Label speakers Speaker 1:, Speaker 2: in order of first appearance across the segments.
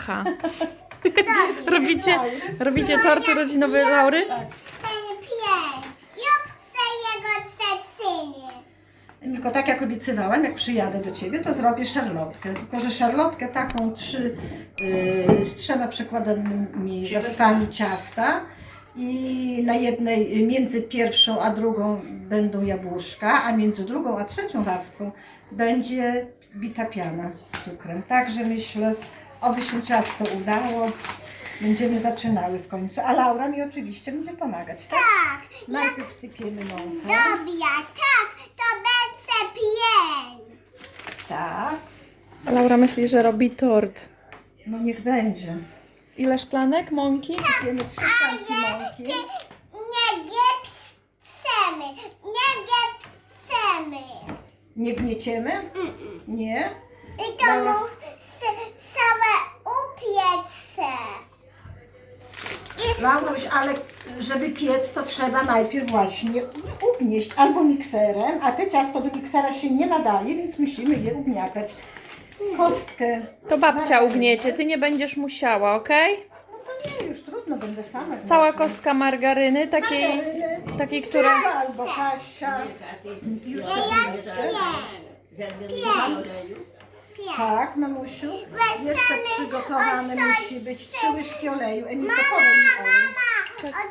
Speaker 1: Aha. Robicie tort urodzinowy Laury?
Speaker 2: Ten pies. Ja chcę jego cecynie.
Speaker 3: Tylko tak jak obiecywałam, jak przyjadę do Ciebie, to zrobię szarlotkę. Tylko, że szarlotkę taką z 3 przekładanymi warstwami ciasta i na jednej, między pierwszą a drugą będą jabłuszka, a między drugą a trzecią warstwą będzie bita piana z cukrem. Także myślę, oby się ciasto udało. Będziemy zaczynały w końcu. A Laura mi oczywiście będzie pomagać, tak?
Speaker 2: Tak.
Speaker 3: Najpierw sypiemy mąkę.
Speaker 2: Dobra, tak. To będzie pies.
Speaker 3: Tak.
Speaker 1: A Laura myśli, że robi tort.
Speaker 3: No niech będzie.
Speaker 1: Ile szklanek mąki?
Speaker 3: Sypiemy 3 szklanki mąki.
Speaker 2: Nie gepsemy. Nie gepsemy.
Speaker 3: Nie gnieciemy? Nie.
Speaker 2: I to
Speaker 3: Dobra.
Speaker 2: mu całe upiece.
Speaker 3: Lauruś, ale żeby piec, to trzeba najpierw właśnie ugnieść albo mikserem, a te ciasto do miksera się nie nadaje, więc musimy je ugniatać. Kostkę.
Speaker 1: To babcia
Speaker 3: margaryny.
Speaker 1: ugniecie, ty nie będziesz musiała, okej?
Speaker 3: No to nie, już trudno, będę sama.
Speaker 1: Cała
Speaker 3: gniotła.
Speaker 1: kostka margaryny, takiej, która...
Speaker 3: Albo Kasia. Już
Speaker 2: Ja
Speaker 3: chwileczkę.
Speaker 2: Pies.
Speaker 3: Tak, mamusiu. Jeszcze
Speaker 2: Wesamy
Speaker 3: przygotowane
Speaker 2: od
Speaker 3: musi być 3 łyżki oleju. Emilko, podaj mi olej.
Speaker 2: Mama,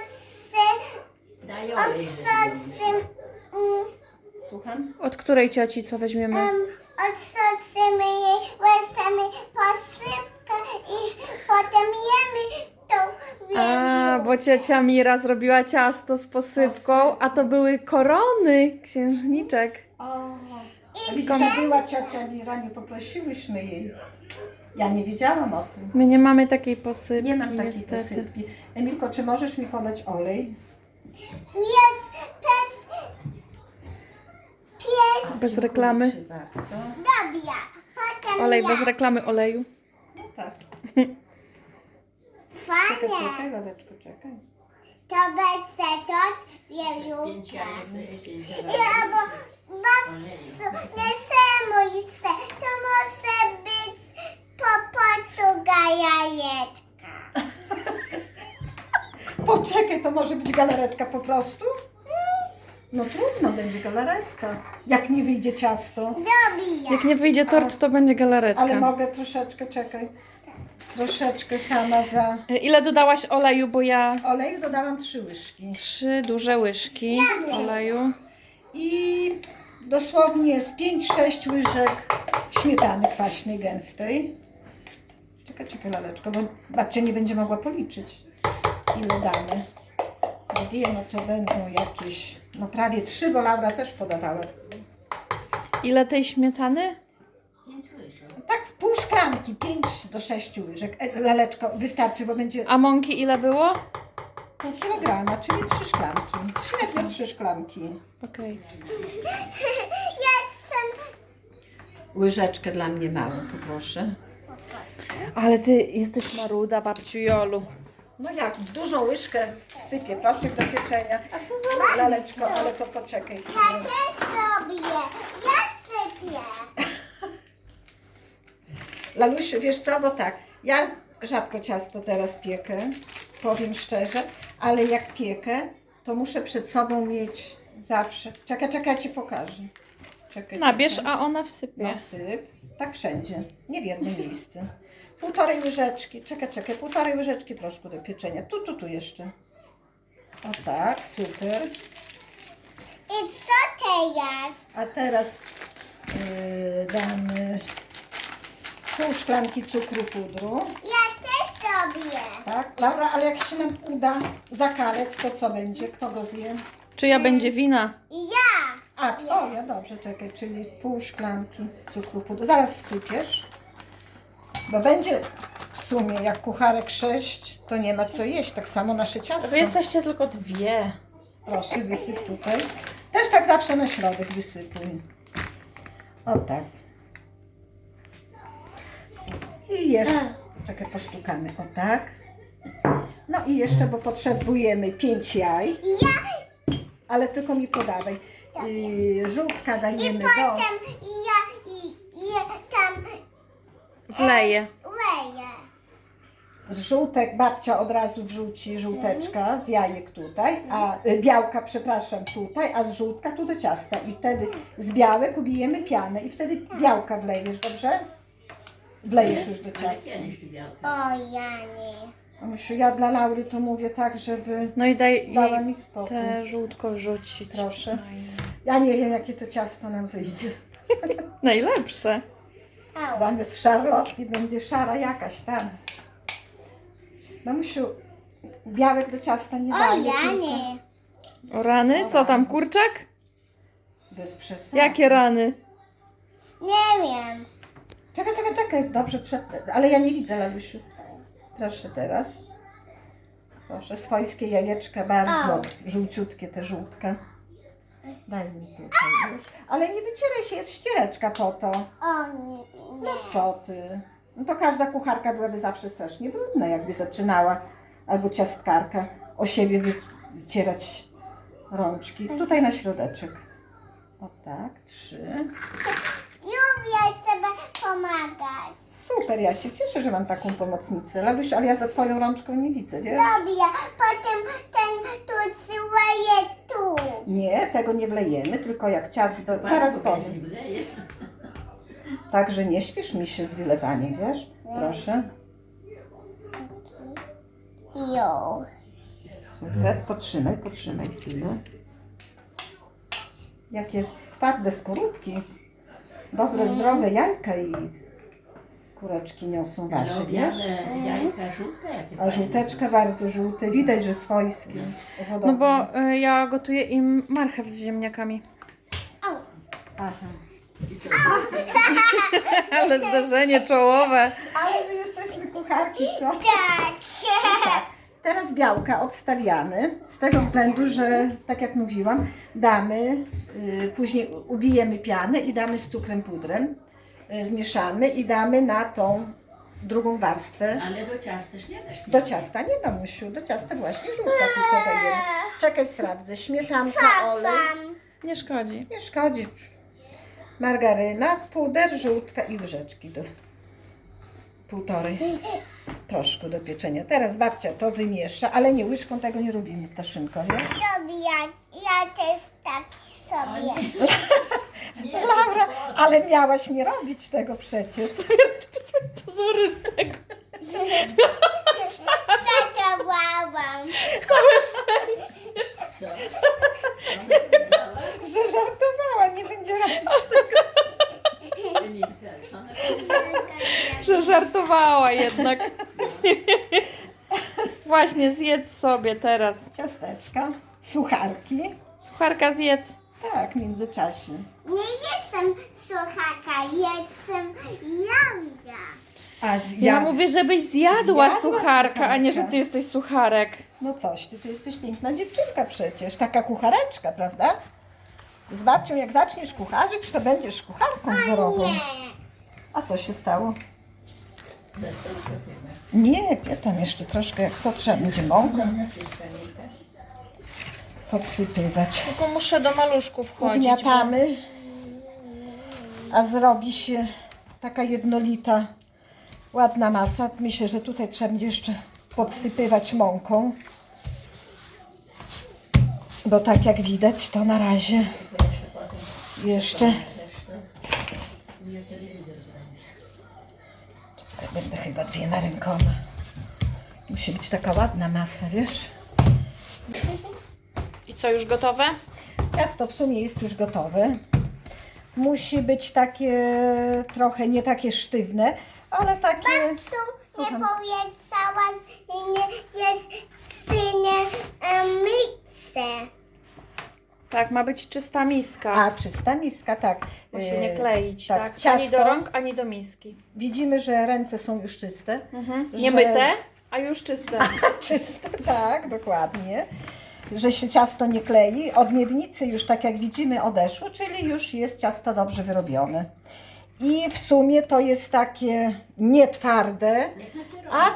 Speaker 2: odsocy,
Speaker 3: Słucham?
Speaker 1: Od której cioci co weźmiemy?
Speaker 2: odsocymy jej, weźmiemy posypkę i potem jemy tą
Speaker 1: A, bo ciocia Mira zrobiła ciasto z posypką, a to były korony księżniczek.
Speaker 3: O, widzisz, że była ciocia Mira, nie poprosiłyśmy jej. Ja nie wiedziałam o tym.
Speaker 1: My nie mamy takiej posypki,
Speaker 3: Nie mam takiej
Speaker 1: niestety.
Speaker 3: posypki. Emilko, czy możesz mi podać olej?
Speaker 2: Więc pies,
Speaker 1: Bez reklamy.
Speaker 3: Dziękuję ci bardzo.
Speaker 2: dobra, potem
Speaker 1: Olej
Speaker 2: ja.
Speaker 1: bez reklamy oleju.
Speaker 3: No tak.
Speaker 2: Fajnie,
Speaker 3: Czekaj, Laleczko, czekaj.
Speaker 2: to będzie tort wieluka. I albo babciu, nie semuj się, to może być popacuga jajeczka.
Speaker 3: Poczekaj, to może być galaretka po prostu? No trudno, będzie galaretka. Jak nie wyjdzie ciasto.
Speaker 2: Dobra,
Speaker 1: Jak nie wyjdzie tort, to będzie galaretka.
Speaker 3: Ale mogę troszeczkę, czekaj. Troszeczkę sama za...
Speaker 1: Ile dodałaś oleju, bo ja
Speaker 3: Oleju dodałam 3 łyżki.
Speaker 1: 3 duże łyżki oleju.
Speaker 3: I dosłownie z 5-6 łyżek śmietany kwaśnej, gęstej. Czekaj, Laleczko, bo babcia nie będzie mogła policzyć, ile damy. Bo wiem, no to będą jakieś, no prawie 3, bo Laura też podawała.
Speaker 1: Ile tej śmietany?
Speaker 3: Tak, z pół szklanki, 5 do 6 łyżek. Laleczko, wystarczy, bo będzie
Speaker 1: A mąki ile było?
Speaker 3: pół kilograma, czyli 3 szklanki. Średnio 3 szklanki.
Speaker 1: Okej.
Speaker 2: jestem
Speaker 3: Łyżeczkę dla mnie małą, poproszę.
Speaker 1: Ale ty jesteś maruda, babciu Jolu.
Speaker 3: No jak, dużą łyżkę wsypię, proszek do pieczenia. A co za Laleczko, ale to poczekaj.
Speaker 2: ja też sobie, ja sypię.
Speaker 3: Lalusiu, wiesz co, bo tak, ja rzadko ciasto teraz piekę, powiem szczerze, ale jak piekę, to muszę przed sobą mieć zawsze. Czekaj, ja Ci pokażę. Czekaj.
Speaker 1: Nabierz, a ona wsypie.
Speaker 3: No syp, tak wszędzie, nie w jednym miejscu. 1,5 łyżeczki, czekaj, 1,5 łyżeczki troszkę do pieczenia. Tu jeszcze. O tak, super.
Speaker 2: I co teraz?
Speaker 3: A teraz damy pół szklanki cukru pudru.
Speaker 2: Ja też sobie.
Speaker 3: Tak, Laura, ale jak się nam uda zakalec, to co będzie? Kto go zje?
Speaker 1: Czyja będzie wina?
Speaker 2: I ja.
Speaker 3: A, twoja, dobrze, czekaj, czyli pół szklanki cukru pudru. Zaraz wsypiesz, bo będzie w sumie jak kucharek 6, to nie ma co jeść, tak samo nasze ciasto.
Speaker 1: Wy jesteście tylko 2.
Speaker 3: Proszę, wysyp tutaj. Też tak zawsze na środek wysypuj. O tak. I jeszcze, czekaj, postukamy, o tak. No i jeszcze, bo potrzebujemy 5 jaj,
Speaker 2: I ja.
Speaker 3: ale tylko mi podawaj. Żółtka dajemy do...
Speaker 2: Potem ja tam
Speaker 1: Wleję.
Speaker 2: leję.
Speaker 3: Z żółtek babcia od razu wrzuci żółteczka z jajek tutaj, a białka, przepraszam, tutaj, a z żółtka tu do ciasta. I wtedy z białek ubijemy pianę i wtedy białka wlejesz, dobrze? Wlejesz już do ciasta.
Speaker 2: O, ja nie.
Speaker 3: Mamusiu, ja dla Laury to mówię tak, żeby
Speaker 1: No i daj
Speaker 3: dała
Speaker 1: jej
Speaker 3: mi spokój.
Speaker 1: te żółtko wrzucić.
Speaker 3: Proszę. Ja nie wiem, jakie to ciasto nam wyjdzie.
Speaker 1: Najlepsze.
Speaker 2: Au.
Speaker 3: Zamiast szarlotki będzie szara jakaś tam. Mamusiu, białek do ciasta nie
Speaker 2: O,
Speaker 3: daje,
Speaker 2: ja
Speaker 3: tylko
Speaker 2: nie.
Speaker 1: O rany? Co tam, kurczak?
Speaker 3: bez przesady.
Speaker 1: Jakie rany?
Speaker 2: Nie wiem.
Speaker 3: Czekaj, dobrze, ale ja nie widzę, Lalusiu. Proszę teraz. Proszę, swojskie jajeczka, bardzo żółciutkie te żółtka. Daj mi tutaj już. Ale nie wycieraj się, jest ściereczka po to.
Speaker 2: O, nie.
Speaker 3: No co ty? No to każda kucharka byłaby zawsze strasznie brudna, jakby zaczynała, albo ciastkarka, o siebie wycierać rączki. Tutaj na środeczek. O tak, 3.
Speaker 2: Lubię sobie pomagać.
Speaker 3: Super, ja się cieszę, że mam taką pomocnicę. Laluś, ale ja za twoją rączką nie widzę, wiesz?
Speaker 2: Lubię. Potem ten tu cyleje tu.
Speaker 3: Nie, tego nie wlejemy, tylko jak ciasto, zaraz powiem. Także nie śpiesz mi się z wylewaniem, wiesz? Proszę.
Speaker 2: Jo.
Speaker 3: Super, potrzymaj chwilę. Jakie twarde skórówki. Dobre, zdrowe jajka i kureczki niosą wasze, wiesz?
Speaker 4: Jajka żółte jakie
Speaker 3: A żółteczka bardzo żółte, widać, że swojskie.
Speaker 1: No bo ja gotuję im marchew z ziemniakami.
Speaker 2: Au.
Speaker 3: Aha.
Speaker 1: Ale zdarzenie czołowe.
Speaker 3: Ale my jesteśmy kucharki, co?
Speaker 2: Tak.
Speaker 3: Teraz białka odstawiamy, z tego względu, że tak jak mówiłam, damy, później ubijemy pianę i damy z cukrem pudrem, zmieszamy i damy na tą drugą warstwę.
Speaker 4: Ale do ciasta też nie dasz.
Speaker 3: Do ciasta nie, mamusiu, do ciasta właśnie żółta tylko dajemy. Czekaj, sprawdzę, śmietanka, olej,
Speaker 1: Nie szkodzi.
Speaker 3: nie szkodzi. Margaryna, puder, żółtka i łyżeczki do 1,5 proszku do pieczenia. Teraz babcia to wymiesza, ale nie łyżką, tego nie robimy, ptaszynko, nie?
Speaker 2: Lubię. Ja też tak sobie.
Speaker 3: Laura, ale miałaś nie robić tego przecież.
Speaker 1: To są pozory z tego.
Speaker 2: Zadawałam.
Speaker 1: Całe szczęście.
Speaker 4: Co?
Speaker 3: Że żartowała, nie będzie robić tego.
Speaker 4: Emilka, co ona powiedziała?
Speaker 1: Że żartowała jednak. Właśnie, zjedz sobie teraz.
Speaker 3: Ciasteczka, sucharki.
Speaker 1: Sucharka zjedz.
Speaker 3: Tak, w międzyczasie.
Speaker 2: Nie jestem suchaka, jestem jawia.
Speaker 3: A
Speaker 1: Ja mówię, żebyś zjadła
Speaker 3: Zjadła
Speaker 1: sucharka, a nie, że
Speaker 3: sucharka.
Speaker 1: ty jesteś sucharek.
Speaker 3: No coś, ty jesteś piękna dziewczynka przecież, taka kuchareczka, prawda? Z babcią jak zaczniesz kucharzyć, to będziesz kucharką wzorową.
Speaker 2: Nie.
Speaker 3: A co się stało?
Speaker 4: Deser zrobimy.
Speaker 3: Nie, gdzie tam jeszcze troszkę, jak co trzeba będzie mąką
Speaker 4: Na wszystko, Emilka.
Speaker 3: podsypywać.
Speaker 1: Tylko muszę do maluszków wchodzić.
Speaker 3: Ugniatamy, a zrobi się taka jednolita, ładna masa. Myślę, że tutaj trzeba będzie jeszcze podsypywać mąką, bo tak jak widać, to na razie jeszcze... Czekaj, będę chyba 2 rękoma. Musi być taka ładna masa, wiesz?
Speaker 1: I co, już gotowe?
Speaker 3: Ciasto w sumie jest już gotowe. Musi być takie trochę nie takie sztywne, ale takie...
Speaker 2: Babciu nie
Speaker 3: Słucham.
Speaker 2: powiedziałaś, że nie jest synie mikse.
Speaker 1: Tak, ma być czysta miska.
Speaker 3: A, czysta miska, tak.
Speaker 1: Ma się nie kleić,
Speaker 3: tak,
Speaker 1: tak? Ani
Speaker 3: ciasto.
Speaker 1: do rąk, ani do miski.
Speaker 3: Widzimy, że ręce są już czyste.
Speaker 1: Nie
Speaker 3: że-
Speaker 1: myte, a już czyste.
Speaker 3: Czyste, tak, dokładnie. Że się ciasto nie klei. Od miednicy już, tak jak widzimy, odeszło, czyli już jest ciasto dobrze wyrobione. I w sumie to jest takie nie twarde, a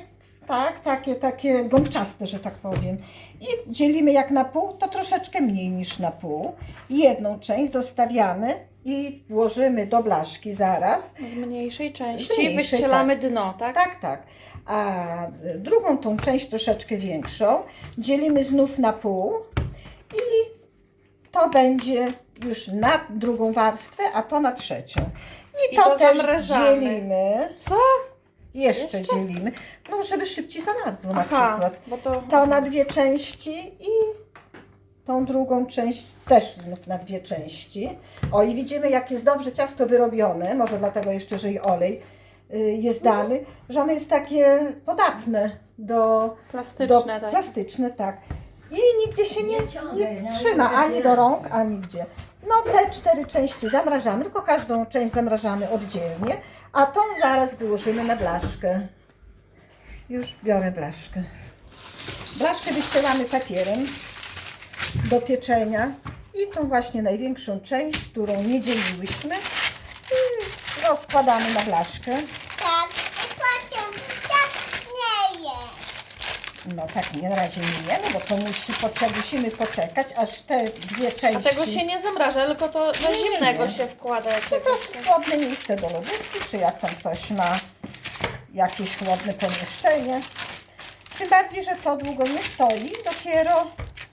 Speaker 3: takie gąbczaste, że tak powiem. I dzielimy jak na pół, to troszeczkę mniej niż na pół. Jedną część zostawiamy i włożymy do blaszki zaraz.
Speaker 1: Z mniejszej części
Speaker 3: Z mniejszej,
Speaker 1: wyścielamy dno, tak?
Speaker 3: Tak, tak. A drugą tą część troszeczkę większą dzielimy znów na pół i to będzie już na drugą warstwę, a to na trzecią. I
Speaker 1: I to
Speaker 3: też
Speaker 1: zamrażamy.
Speaker 3: dzielimy.
Speaker 1: Co?
Speaker 3: Jeszcze dzielimy. No, żeby szybciej zamarzło na
Speaker 1: Aha,
Speaker 3: przykład.
Speaker 1: bo to...
Speaker 3: To na dwie części i tą drugą część też znów na dwie części. O, i widzimy, jak jest dobrze ciasto wyrobione, może dlatego jeszcze, że i olej jest dany, że ono jest takie podatne do
Speaker 1: Plastyczne, tak.
Speaker 3: plastyczne, tak. I nigdzie się nie
Speaker 4: ciągaj,
Speaker 3: trzyma, ani do rąk, ani gdzie. No te 4 części zamrażamy, tylko każdą część zamrażamy oddzielnie, a tą zaraz wyłożymy na blaszkę. Już biorę blaszkę. Blaszkę wyścielamy papierem do pieczenia i tą właśnie największą część, którą nie dzieliłyśmy, rozkładamy na blaszkę.
Speaker 2: Tak, i potem tak nie jest.
Speaker 3: No tak, nie, na razie nie jemy, bo to musimy poczekać, aż te dwie
Speaker 1: A
Speaker 3: części...
Speaker 1: tego się nie zamraża, tylko to do
Speaker 3: Nie, nie,
Speaker 1: zimnego
Speaker 3: nie.
Speaker 1: się wkłada.
Speaker 3: Po prostu chłodne miejsce do lodówki, czy jak tam ktoś ma jakieś chłodne pomieszczenie. Tym bardziej, że to długo nie stoi, dopiero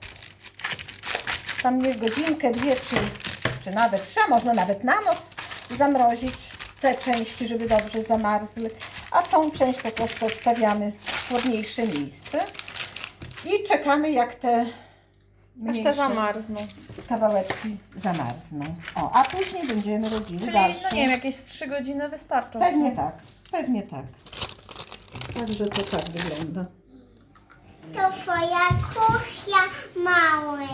Speaker 3: tam nie godzinkę, dwie, czy nawet 3, można nawet na noc zamrozić te części, żeby dobrze zamarzły, a tą część po prostu odstawiamy w chłodniejsze miejsce i czekamy, jak te
Speaker 1: Aż
Speaker 3: mniejsze
Speaker 1: te zamarzną.
Speaker 3: kawałeczki zamarzną. O, a później będziemy robiły
Speaker 1: Czyli,
Speaker 3: dalsze.
Speaker 1: no nie wiem, jakieś 3 godziny wystarczą.
Speaker 3: Pewnie tak, pewnie tak. Także to tak wygląda.
Speaker 2: To twoja kuchnia, mały.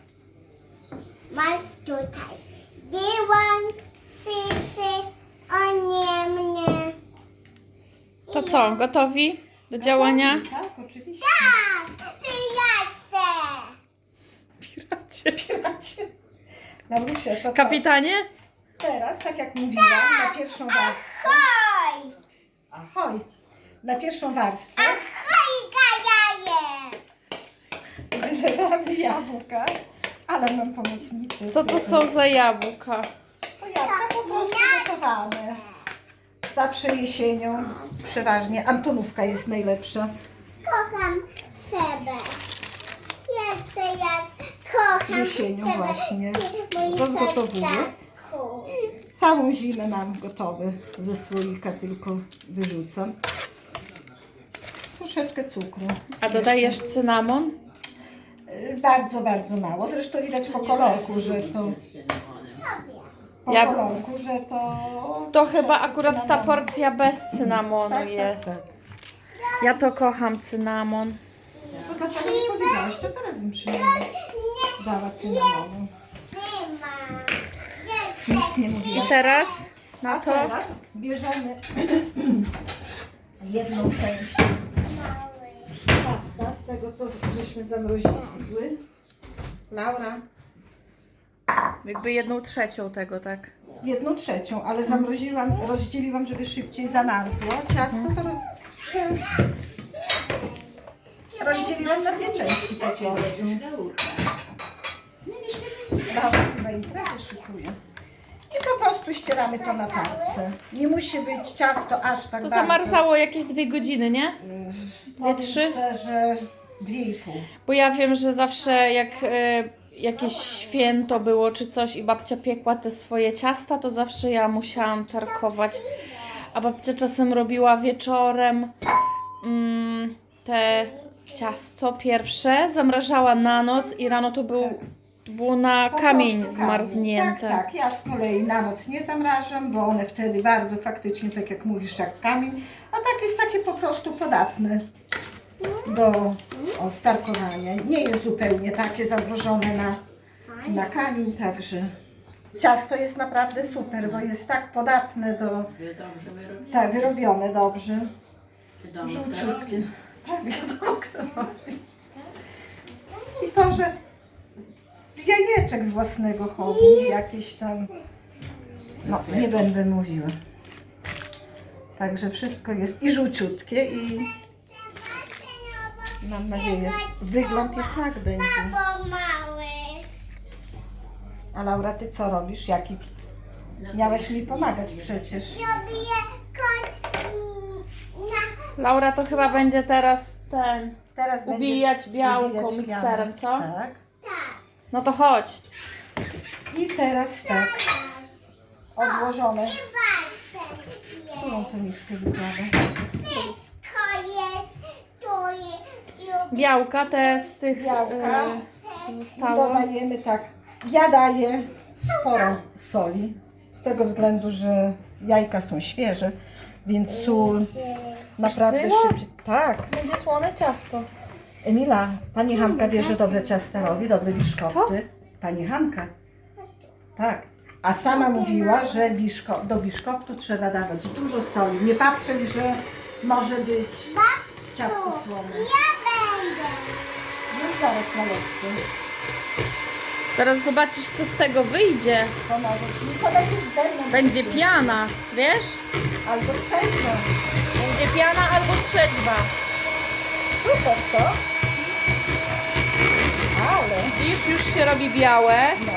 Speaker 2: Masz tutaj dywan, sysy, o nie mnie.
Speaker 1: To co, gotowi do działania?
Speaker 3: Tak, oczywiście.
Speaker 2: Tak, pijace.
Speaker 1: Piracie.
Speaker 3: Marusia, to co?
Speaker 1: Kapitanie?
Speaker 3: Teraz, tak jak mówiłam, na pierwszą warstwę.
Speaker 2: Oj,
Speaker 3: Ahoj! Na pierwszą warstwę
Speaker 2: ahoj, gajaje.
Speaker 3: wylewamy jabłka, ale mam pomocnicę.
Speaker 1: Co to są za jabłka?
Speaker 3: To jabłka po prostu gotowane. Zawsze jesienią, przeważnie. Antonówka jest najlepsza.
Speaker 2: Kocham sebę. Ja kocham
Speaker 3: Jesienią
Speaker 2: sebę.
Speaker 3: właśnie.
Speaker 2: Mój
Speaker 3: Rozgotowuję.
Speaker 2: sercaku.
Speaker 3: Całą zimę mam gotowy. Ze słoika tylko wyrzucam. Troszeczkę cukru.
Speaker 1: A dodajesz cynamon?
Speaker 3: Bardzo, bardzo mało. Zresztą widać po kolorku, że to... Po
Speaker 1: Ja-
Speaker 3: kolorku, że to...
Speaker 1: To chyba
Speaker 3: troszeczkę
Speaker 1: akurat ta
Speaker 3: cynamonu.
Speaker 1: porcja bez cynamonu
Speaker 3: Tak, tak,
Speaker 1: jest.
Speaker 3: tak.
Speaker 1: Ja to kocham cynamon.
Speaker 3: To dlaczego nie powiedziałaś? To teraz bym przynajmniej dała cynamonu.
Speaker 2: Syma.
Speaker 3: Nic nie
Speaker 1: I
Speaker 3: mówiłaś.
Speaker 1: teraz
Speaker 3: A
Speaker 1: na to
Speaker 3: teraz bierzemy jedną część ciasta z tego, co żeśmy zamroziły. Laura,
Speaker 1: jakby 1/3 tego, tak?
Speaker 3: 1/3, ale zamroziłam, rozdzieliłam, żeby szybciej zamarzło. Ciasto to rozdzieliłam na dwie części po prostu. Laura chyba imprezę szykuje. I po prostu ścieramy to na tarce. Nie musi być ciasto aż tak
Speaker 1: To
Speaker 3: bardzo.
Speaker 1: zamarzało jakieś 2 godziny, nie?
Speaker 3: Powiem
Speaker 1: 3?
Speaker 3: szczerze, 2,5.
Speaker 1: Bo ja wiem, że zawsze jak jakieś święto było czy coś i babcia piekła te swoje ciasta, to zawsze ja musiałam tarkować. A babcia czasem robiła wieczorem te ciasto pierwsze, zamrażała na noc i rano to było na
Speaker 3: Po
Speaker 1: kamień
Speaker 3: prostu
Speaker 1: zmarznięte.
Speaker 3: Tak, tak. Ja z kolei na noc nie zamrażam, bo one wtedy bardzo faktycznie, tak jak mówisz, jak kamień. A tak jest takie po prostu podatne do starkowania. Nie jest zupełnie takie zamrożone na kamień, także ciasto jest naprawdę super, bo jest tak podatne do...
Speaker 4: Wy dobrze wyrobicie.
Speaker 3: Tak, wyrobione dobrze.
Speaker 4: Wiadomo,
Speaker 3: Żółciutkie. Tak, wiadomo kto robi. I to, że z jajeczek z własnego hobby, jakieś tam, no nie będę mówiła. Także wszystko jest i żółciutkie i mam nadzieję, wygląd i smak będzie.
Speaker 2: Bo mały.
Speaker 3: A Laura, ty co robisz? Jaki? Miałaś mi pomagać przecież.
Speaker 2: Robię kot na
Speaker 1: Laura to chyba będzie teraz
Speaker 3: Teraz będzie
Speaker 1: ubijać białko
Speaker 3: ubijać
Speaker 1: mikserem,
Speaker 3: pianę.
Speaker 1: co?
Speaker 3: Tak.
Speaker 1: No to chodź.
Speaker 3: I teraz tak, odłożone.
Speaker 2: Basen
Speaker 3: Którą
Speaker 2: jest.
Speaker 3: tę miskę wykładę?
Speaker 2: Wszystko jest. Tu jest.
Speaker 1: Białka te z tych,
Speaker 3: Białka.
Speaker 1: co
Speaker 3: I
Speaker 1: zostało.
Speaker 3: dodajemy tak, ja daję sporo soli, z tego względu, że jajka są świeże, więc sól naprawdę
Speaker 1: Tyle?
Speaker 3: szybciej. Tak.
Speaker 1: Będzie słone ciasto.
Speaker 3: Emila, pani Hanka wie, że dobre ciasta robi, dobre biszkopty. Pani Hanka. Tak. A sama mówiła, że do biszkoptu trzeba dawać dużo soli. Nie patrzeć, że może być ciasto słone.
Speaker 2: Ja będę.
Speaker 3: Już zaraz malutko.
Speaker 1: Zaraz zobaczysz, co z tego wyjdzie.
Speaker 3: Pomożesz mi, to będzie ze mną.
Speaker 1: Będzie piana, wiesz?
Speaker 3: Albo trzeźwo.
Speaker 1: Będzie piana albo trzeźwa.
Speaker 3: Super, co? Ale,
Speaker 1: Widzisz, już się robi białe.
Speaker 3: no.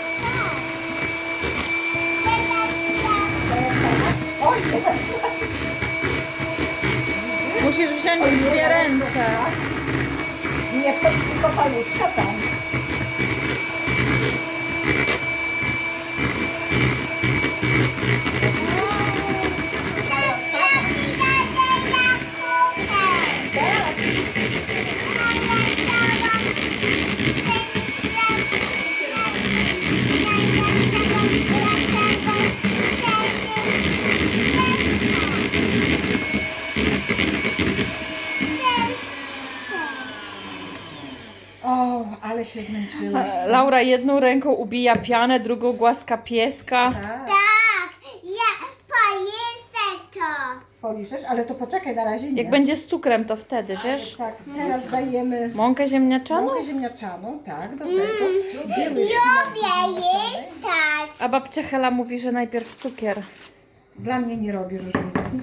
Speaker 3: Oj, teraz
Speaker 1: Musisz wziąć w dwie ręce.
Speaker 3: nie wchodź tylko paluszka tam. O, ale się zmęczyłaś.
Speaker 1: Laura jedną ręką ubija pianę, drugą głaska pieska.
Speaker 3: Tak,
Speaker 2: Tak, ja pojesę to.
Speaker 3: poliżesz, ale to poczekaj, na razie nie.
Speaker 1: Jak będzie z cukrem, to wtedy, wiesz?
Speaker 3: Tak, teraz dajemy
Speaker 1: Mąkę ziemniaczaną?
Speaker 3: mąkę ziemniaczaną, tak, do tego. Dwie łyżki
Speaker 2: Lubię jestać.
Speaker 1: A babcia Hela mówi, że najpierw cukier.
Speaker 3: Dla mnie nie robi różnicy.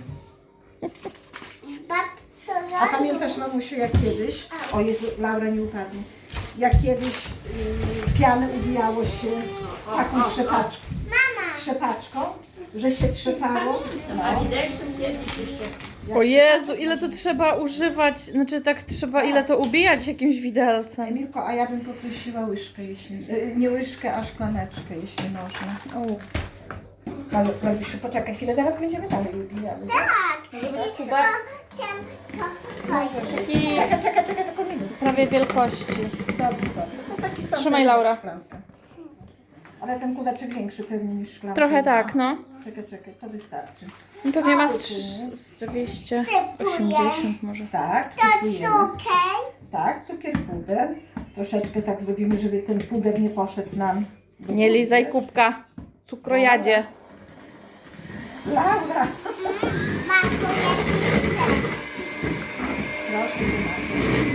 Speaker 2: Babco,
Speaker 3: A pamiętasz, mamusiu, jak kiedyś, o Jezu, Laura nie upadnie, jak kiedyś pianę ubijało się taką trzepaczką, że się trzepało.
Speaker 4: A
Speaker 3: No.
Speaker 4: widelcem kiedyś jeszcze.
Speaker 1: O Jezu, ile to trzeba używać, znaczy tak trzeba, ile to ubijać jakimś widelcem.
Speaker 3: Emilko, a ja bym poprosiła łyżkę, jeśli, nie łyżkę, a szklaneczkę, jeśli można.
Speaker 1: O.
Speaker 3: Malusiu, poczekaj chwilę, zaraz będziemy dalej ubijały.
Speaker 2: tak.
Speaker 1: Kuba, taki
Speaker 3: Czekaj, tylko minutę.
Speaker 1: prawie wielkości.
Speaker 3: Dobrze. To taki sam
Speaker 1: Trzymaj, Laura.
Speaker 3: szklanka. Ale ten kubeczek większy pewnie niż szklanka.
Speaker 1: Trochę tak, no.
Speaker 3: Czekaj, to wystarczy.
Speaker 1: Pewnie ma z 280 może.
Speaker 3: Tak,
Speaker 2: To
Speaker 3: wsypujemy.
Speaker 2: cukier.
Speaker 3: Tak, cukier, puder. Troszeczkę tak zrobimy, żeby ten puder nie poszedł nam. do
Speaker 1: Nie lizaj
Speaker 3: puder.
Speaker 1: kubka, cukrojadzie.
Speaker 3: Laura!
Speaker 2: Mam tu jakiś
Speaker 3: Proszę, wymażę.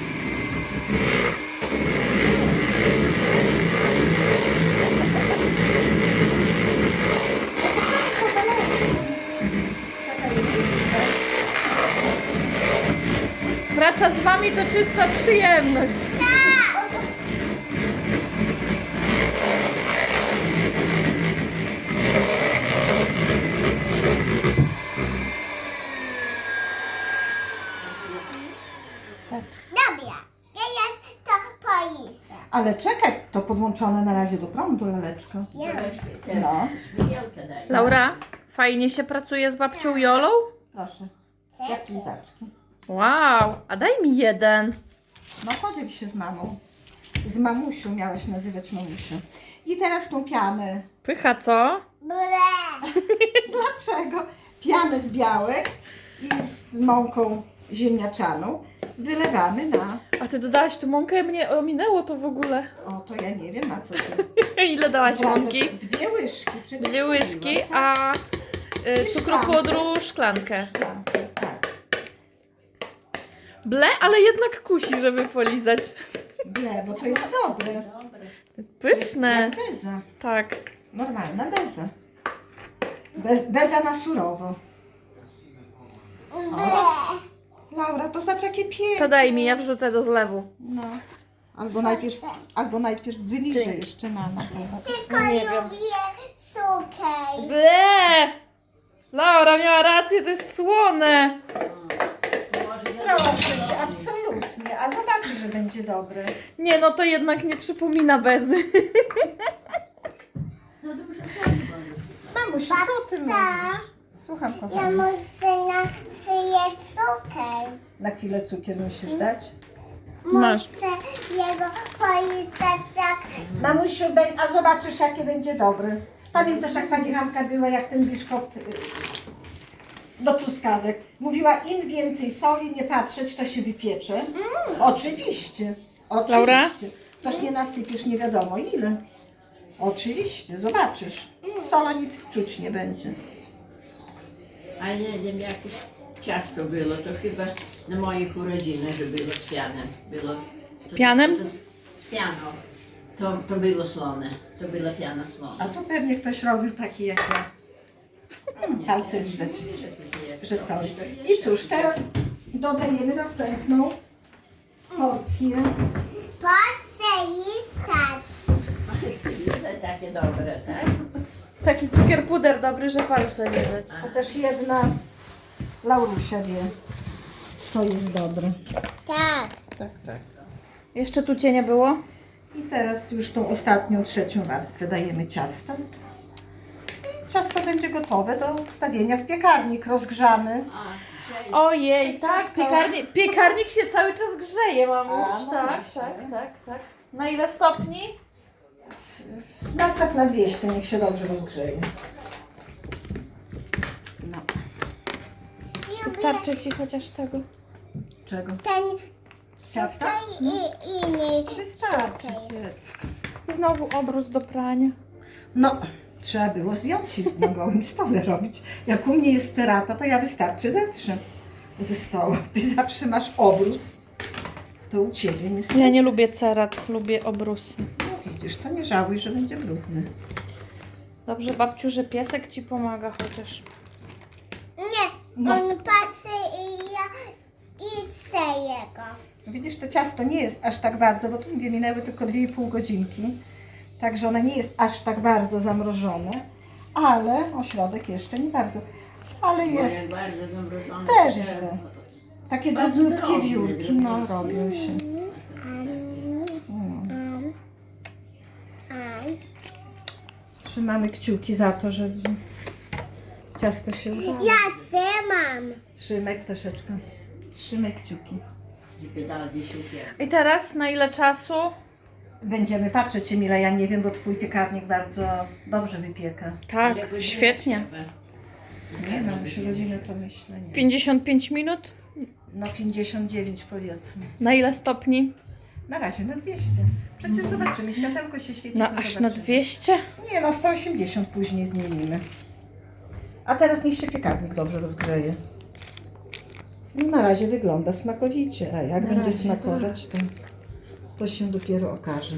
Speaker 1: Praca z wami to czysta przyjemność.
Speaker 2: Dobra, teraz to pojesę.
Speaker 3: Ale czekaj, to podłączone na razie do prądu, laleczko.
Speaker 2: Ja.
Speaker 3: No,
Speaker 4: Świetełkę daj.
Speaker 1: Laura, fajnie się pracuje z babcią Jolą?
Speaker 3: proszę. Jak lizaczki.
Speaker 1: Wow, a daj mi jeden.
Speaker 3: No podziel się z mamą. Z mamusią miałaś nazywać mamusią. I teraz tą pianę.
Speaker 1: Pycha, co?
Speaker 2: Ble.
Speaker 3: Dlaczego? Pianę z białek i z mąką ziemniaczaną wylewamy na...
Speaker 1: A ty dodałaś tu mąkę? Mnie ominęło to w ogóle.
Speaker 3: O, to ja nie wiem na co ty.
Speaker 1: Ile dałaś mąki?
Speaker 3: Dwie łyżki. Przecież
Speaker 1: Dwie łyżki,
Speaker 3: mówiłam, tak?
Speaker 1: a cukru
Speaker 3: szklankę.
Speaker 1: pudru szklankę.
Speaker 3: Szklankę, tak.
Speaker 1: Ble, ale jednak kusi, żeby polizać.
Speaker 3: Ble, bo to jest dobre.
Speaker 1: Pyszne.
Speaker 3: Jak beza.
Speaker 1: Tak.
Speaker 3: Normalna beza. Beza na surowo.
Speaker 2: Ble.
Speaker 3: Laura, to zacz jakie piękne.
Speaker 1: To daj mi, ja wrzucę do zlewu.
Speaker 3: No. Albo najpierw wyliżę jeszcze mama.
Speaker 2: Tylko
Speaker 1: nie wiem.
Speaker 2: lubię cukier.
Speaker 1: Ble! Laura, Ula miała rację, to jest słone.
Speaker 3: Proszę cię, absolutnie. A zobaczysz, że będzie dobre.
Speaker 1: Nie, no to jednak nie przypomina bezy.
Speaker 4: No dobrze, słabo.
Speaker 3: Mamusiu, co ty mówisz? Słucham,
Speaker 2: Ja
Speaker 3: kochani.
Speaker 2: muszę na chwilę cukier.
Speaker 3: Na chwilę cukier musisz dać?
Speaker 1: Masz.
Speaker 2: Muszę jego polizać jak...
Speaker 3: Mamusiu, a zobaczysz, jakie będzie dobry. Pamiętasz, jak pani Hanka była, jak ten biszkopt do truskawek. Mówiła, im więcej soli nie patrzeć, to się wypiecze. Oczywiście. Oczywiście.
Speaker 1: Laura?
Speaker 3: Toż nie nasypiesz nie wiadomo ile. Oczywiście, zobaczysz. Sola nic czuć nie będzie.
Speaker 4: A nie wiem, jakieś ciasto było, to chyba na moich urodzinach, że było z pianem. Było,
Speaker 1: Z pianem?
Speaker 4: Z pianą. To było słone. To była piana słona.
Speaker 3: A tu pewnie ktoś robił taki jak ja. Palce lizać, że soli. I cóż, teraz dodajemy następną porcję.
Speaker 2: Patrzę i sad.
Speaker 4: Takie dobre, tak?
Speaker 1: Taki cukier puder dobry, że palce lizać.
Speaker 3: Chociaż jedna Laurusia wie, co jest dobre.
Speaker 2: Tak.
Speaker 3: Tak, tak.
Speaker 1: Jeszcze tu cię nie było?
Speaker 3: I teraz już tą ostatnią, trzecią warstwę dajemy ciasta. I ciasto będzie gotowe do wstawienia w piekarnik rozgrzany.
Speaker 1: Ojej, tak, piekarnik się cały czas grzeje, mamuś.
Speaker 3: A, no
Speaker 1: Tak,
Speaker 3: właśnie.
Speaker 1: tak. Na ile stopni?
Speaker 3: Nastaw na 200, niech się dobrze rozgrzeje. No.
Speaker 1: Wystarczy ci chociaż tego.
Speaker 3: Czego?
Speaker 2: Ten
Speaker 3: Ciasta?
Speaker 2: cukier i inny
Speaker 3: Wystarczy,
Speaker 2: cukier.
Speaker 3: dziecko.
Speaker 1: I znowu obrus do prania.
Speaker 3: No, trzeba było zdjąć i na gołym stole robić. Jak u mnie jest cerata, to ja wystarczy zetrze ze stołu. Ty zawsze masz obrus. To u ciebie nie
Speaker 1: Ja nie lubię cerat, lubię obrusy.
Speaker 3: No widzisz, to nie żałuj, że będzie brudny.
Speaker 1: Dobrze, babciu, że piesek ci pomaga chociaż.
Speaker 2: Nie,
Speaker 3: No.
Speaker 2: on patrzy i ja chcę jego.
Speaker 3: Widzisz, to ciasto nie jest aż tak bardzo, bo tu mówię, minęły tylko 2,5 godzinki. Także ono nie jest aż tak bardzo zamrożone, ale ośrodek jeszcze nie bardzo. Ale jest
Speaker 4: Bardzo zamrożone.
Speaker 3: też źle. Takie
Speaker 4: Bardzo
Speaker 3: drobniutkie
Speaker 4: drobne,
Speaker 3: wiórki, no robią się. Trzymamy kciuki za to, żeby ciasto się udało.
Speaker 2: Ja trzymam.
Speaker 3: Trzymaj troszeczkę. Trzymaj kciuki.
Speaker 4: Żeby dał gdzieś cukier.
Speaker 1: I teraz na ile czasu?
Speaker 3: Będziemy patrzeć, Emila, ja nie wiem, bo twój piekarnik bardzo dobrze wypieka.
Speaker 1: Tak,
Speaker 4: Ile godzin
Speaker 1: świetnie.
Speaker 4: trzeba?
Speaker 3: Nie no, już godzinę to myślę, nie.
Speaker 1: 55 minut?
Speaker 3: No 59 powiedzmy.
Speaker 1: Na ile stopni?
Speaker 3: Na razie na 200. Przecież zobaczymy, światełko się świeci,
Speaker 1: No
Speaker 3: to
Speaker 1: aż na
Speaker 3: zobaczymy.
Speaker 1: 200?
Speaker 3: Nie no, 180 później zmienimy. A teraz niech się piekarnik dobrze rozgrzeje. No na razie wygląda smakowicie, a jak będzie smakować, to się dopiero okaże.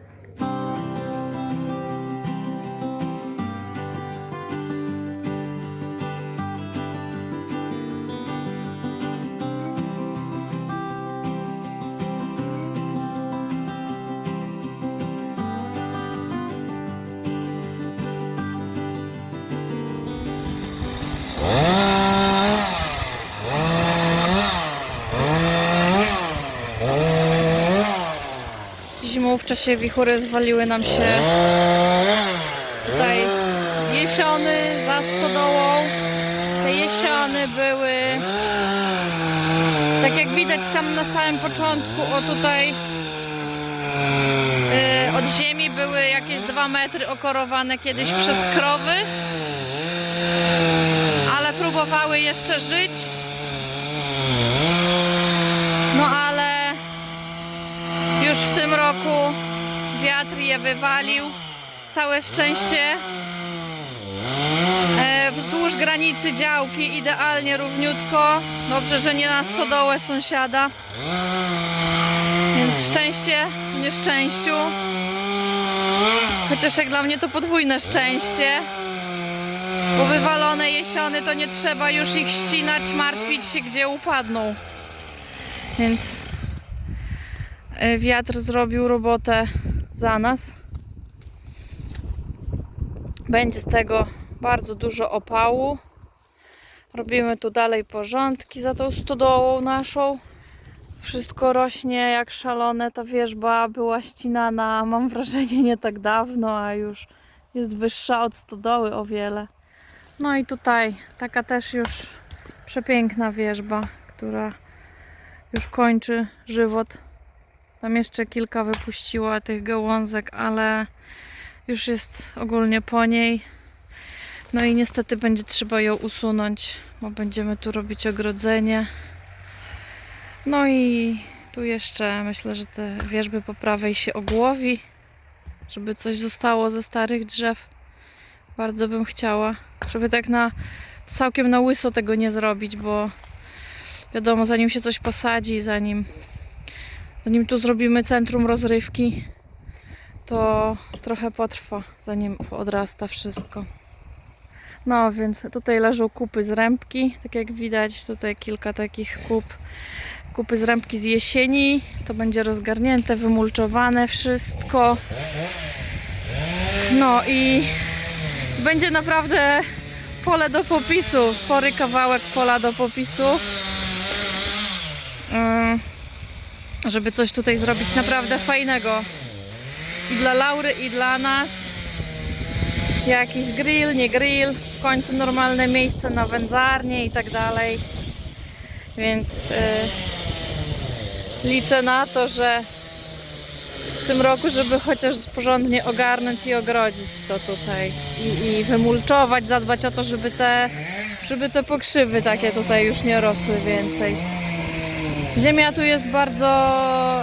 Speaker 1: Zimą w czasie wichury zwaliły nam się tutaj jesiony za stodołą. Te jesiony były, tak jak widać tam na samym początku, o tutaj od ziemi były jakieś 2 metry okorowane kiedyś przez krowy, ale próbowały jeszcze żyć. No ale już w tym roku wiatr je wywalił. Całe szczęście wzdłuż granicy działki idealnie równiutko. Dobrze, że nie na stodołę sąsiada. Więc szczęście w nieszczęściu. Chociaż jak dla mnie to podwójne szczęście. Bo wywalone jesiony to nie trzeba już ich ścinać, martwić się, gdzie upadną. Więc wiatr zrobił robotę za nas. Będzie z tego bardzo dużo opału. Robimy tu dalej porządki za tą stodołą naszą. Wszystko rośnie jak szalone. Ta wierzba była ścinana, mam wrażenie, nie tak dawno, a już jest wyższa od stodoły o wiele. No i tutaj taka też już przepiękna wierzba, która już kończy żywot. Tam jeszcze kilka wypuściła tych gałązek, ale już jest ogólnie po niej. No i niestety będzie trzeba ją usunąć, bo będziemy tu robić ogrodzenie. No i tu jeszcze myślę, że te wierzby po prawej się ogłowi, żeby coś zostało ze starych drzew. Bardzo bym chciała, żeby tak całkiem na łyso tego nie zrobić, bo wiadomo, zanim się coś posadzi, zanim tu zrobimy centrum rozrywki, to trochę potrwa, zanim odrasta wszystko. No więc tutaj leżą kupy z rębki, tak jak widać, tutaj kilka takich kupy z rębki z jesieni. To będzie rozgarnięte, wymulczowane wszystko. No i będzie naprawdę pole do popisu, spory kawałek pola do popisu. Żeby coś tutaj zrobić naprawdę fajnego. I dla Laury, i dla nas. Jakiś grill, nie grill, w końcu normalne miejsce na wędzarnię i tak dalej. Więc liczę na to, że w tym roku, żeby chociaż porządnie ogarnąć i ogrodzić to tutaj i wymulczować, zadbać o to, żeby te pokrzywy takie tutaj już nie rosły więcej. Ziemia tu jest bardzo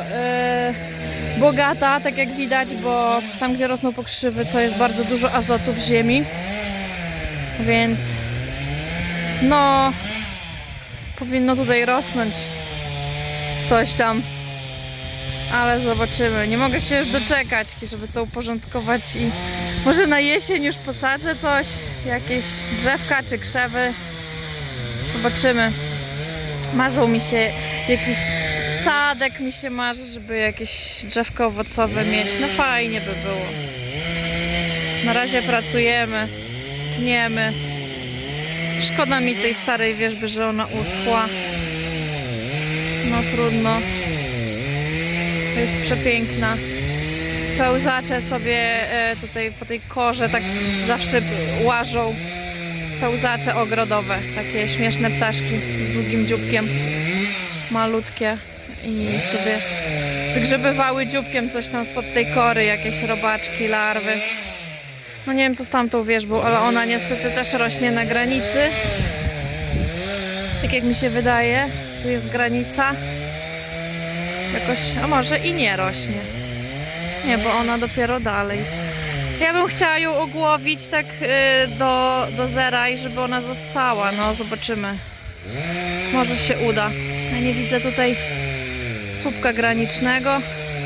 Speaker 1: bogata, tak jak widać, bo tam, gdzie rosną pokrzywy, to jest bardzo dużo azotu w ziemi, więc no powinno tutaj rosnąć coś tam, ale zobaczymy. Nie mogę się już doczekać, żeby to uporządkować i może na jesień już posadzę coś, jakieś drzewka czy krzewy. Zobaczymy. Marzą mi się jakiś sadek, mi się marzy, żeby jakieś drzewko owocowe mieć. No fajnie by było. Na razie pracujemy, tniemy. Szkoda mi tej starej wierzby, że ona uschła. No trudno. To jest przepiękna. Pełzacze sobie tutaj po tej korze tak zawsze łażą. Pełzacze ogrodowe, takie śmieszne ptaszki z długim dzióbkiem, malutkie i sobie wygrzebywały dzióbkiem coś tam spod tej kory, jakieś robaczki, larwy. No nie wiem, co z tamtą wierzbą, ale ona niestety też rośnie na granicy. Tak jak mi się wydaje, tu jest granica. Jakoś, a może i nie rośnie. Nie, bo ona dopiero dalej. Ja bym chciała ją ogłowić tak do zera i żeby ona została. No zobaczymy. Może się uda. Ja nie widzę tutaj słupka granicznego.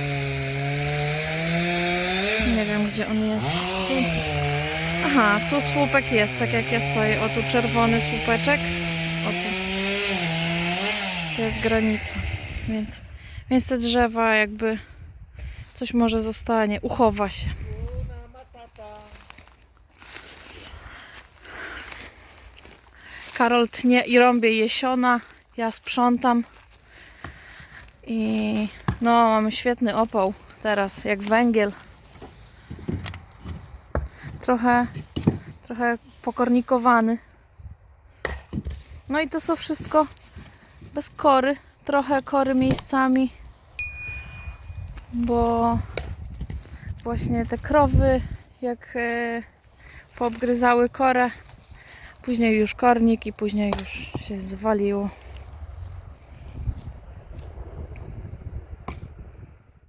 Speaker 1: Nie wiem, gdzie on jest. Tu. Aha, tu słupek jest, tak jak ja stoję. O, tu czerwony słupeczek. O, tu. To jest granica. Więc te drzewa jakby coś może zostanie. Uchowa się. Karol tnie i rąbie jesiona, ja sprzątam i no mamy świetny opał teraz, jak węgiel. Trochę pokornikowany. No i to są wszystko bez kory, trochę kory miejscami, bo właśnie te krowy jak poobgryzały korę. Później już kornik i później już się zwaliło.